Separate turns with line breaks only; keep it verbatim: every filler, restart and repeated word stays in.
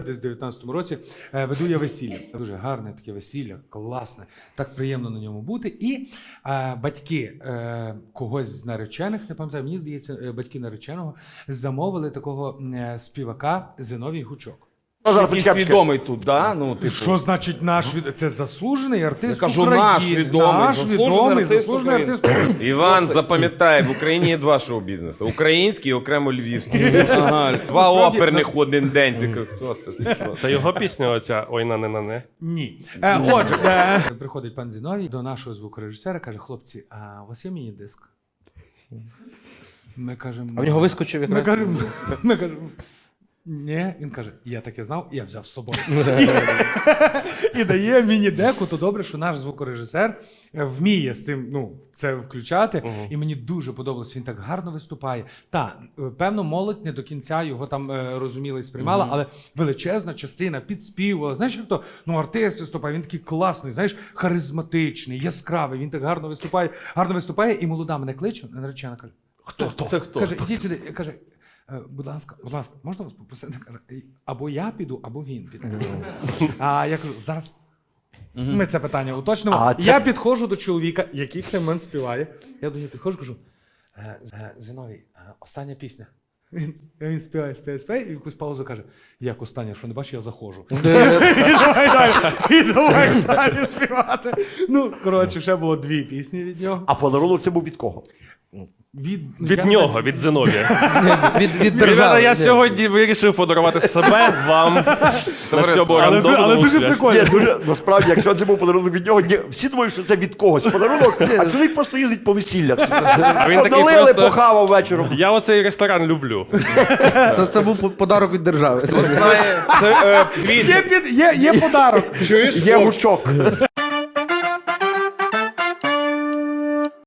Десь в дев'ятнадцятому році е, веду я весілля. Дуже гарне таке весілля, класне, так приємно на ньому бути. І е, батьки е, когось з наречених, не пам'ятаю, мені здається, е, батьки нареченого замовили такого е, співака Зиновій Гучок.
Який свідомий тут, да? Ну, типу.
Що значить наш від... Це заслужений артист
Я кажу,
України.
наш відомий,
наш
заслужений
відомий,
артист
заслужений
України.
артист України.
Іван, запам'ятай, в Україні є два шоу-бізнесу. Український і окремо львівський. Ага, два оперних в один день. Ти кажеш, хто це? Ти що?
Це його пісня оця «Ой, на не на не».
Ні. Е, отже, е, приходить пан Зіновій до нашого звукорежисера, каже, хлопці, а у вас є міні-диск? Ми кажемо...
А в нього вискочив якраз.
Ми кажемо, ми кажемо, ні, він каже, я таке знав, я взяв з собою. І дає міні-деку, то добре, що наш звукорежисер вміє з цим, ну, це включати. І мені дуже подобалось, він так гарно виступає. Та, певно, молодь не до кінця його там е, розуміла і сприймала, але величезна частина підспівувала. Знаєш, як то, ну, артист виступає, він такий класний, знаєш, харизматичний, яскравий, він так гарно виступає, гарно виступає, і молода мене кличе, наречена каже, хто то?
Це хто?
Каже, ідіть сюди, каже, «Е, будь ласка, будь ласка, можна вас попросити? Каже, або я піду, або він піде. А я кажу, зараз ми це питання уточнимо.
А це-
Я підходжу до чоловіка, який в цей момент співає. Я до нього підходжу, кажу, «Е, З- е, Зиновій, е, остання пісня. Він, він співає, співає, співає, і в якусь паузу каже, як остання, що не бачиш, я заходжу. І давай далі, і давай далі співати. Ну, коротше, ще було дві пісні від нього.
А подарунок це був від кого?
Від,
Від
я-
нього, від Зиновія.
Від, від
Ребята,
держави.
я
Ні.
сьогодні вирішив подарувати себе, вам, на цьому
Але, але
рандомному
дуже
шляху.
прикольно.
Ні, дуже, насправді, якщо це був подарунок від нього, ні, всі думають, що це від когось подарунок, а чоловік просто їздить по весіллях.
Він такий
Налили,
просто-
похавав вечором.
Я оцей ресторан люблю.
Це, це був по- подарок від держави.
Знає, це, е,
Є, під, є, є подарок.
чуєш?
Є гучок.